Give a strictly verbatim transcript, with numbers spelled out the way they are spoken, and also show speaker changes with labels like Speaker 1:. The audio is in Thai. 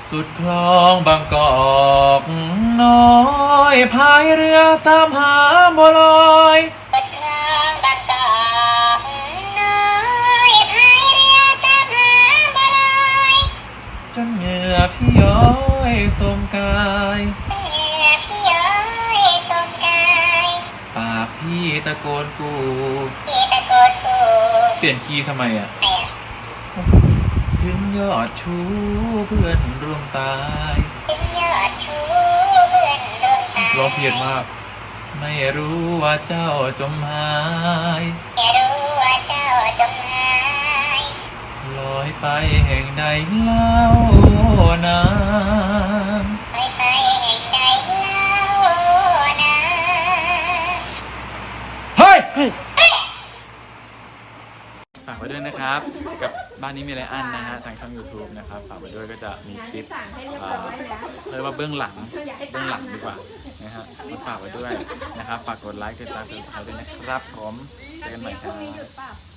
Speaker 1: สุดคลองบางกอกน้อยพายเรือตามหาบัวลอย
Speaker 2: สุดคลองบางกอกน้อยพายเรือตามหาบัวลอย
Speaker 1: จนเหงื่อพี่ย้อยสมกาย
Speaker 2: เหงื่อพี่ย้อยสมกาย
Speaker 1: ปากพี่ตะโกนกู
Speaker 2: พี่ตะโกนกู
Speaker 1: เปลี่ยนคีย์ทำไมอ่ะ
Speaker 2: ไม่อะ
Speaker 1: ถึงยอดชูเพื่อนร่วมตาย
Speaker 2: ถึงยอดชูเพื่อนร่วมตาย
Speaker 1: ร้องเพี้ยนมากไม่รู้ว่าเจ้าจมหาย
Speaker 2: ไม่รู้ว่าเจ้าจมหาย
Speaker 1: ลอยไปแห่งใดเล่านาง
Speaker 2: ลอยไปแห่งใดเล่านาง
Speaker 1: เฮ้ยฝากไว้ด้วยนะครับกับบ้านนี้มีอะไรอันนะฮะทางช่อง YouTube นะครับฝากไว้ด้วยก็จะมีคลิปเรียกว่าเบื้องหลังเบื้องหลังดีกว่านะฮะมาฝากไว้ด้วยนะครับฝากกดไลค์กดติดตามกดติดตามด้วยนะครับผมเจอกันใหม่ครับ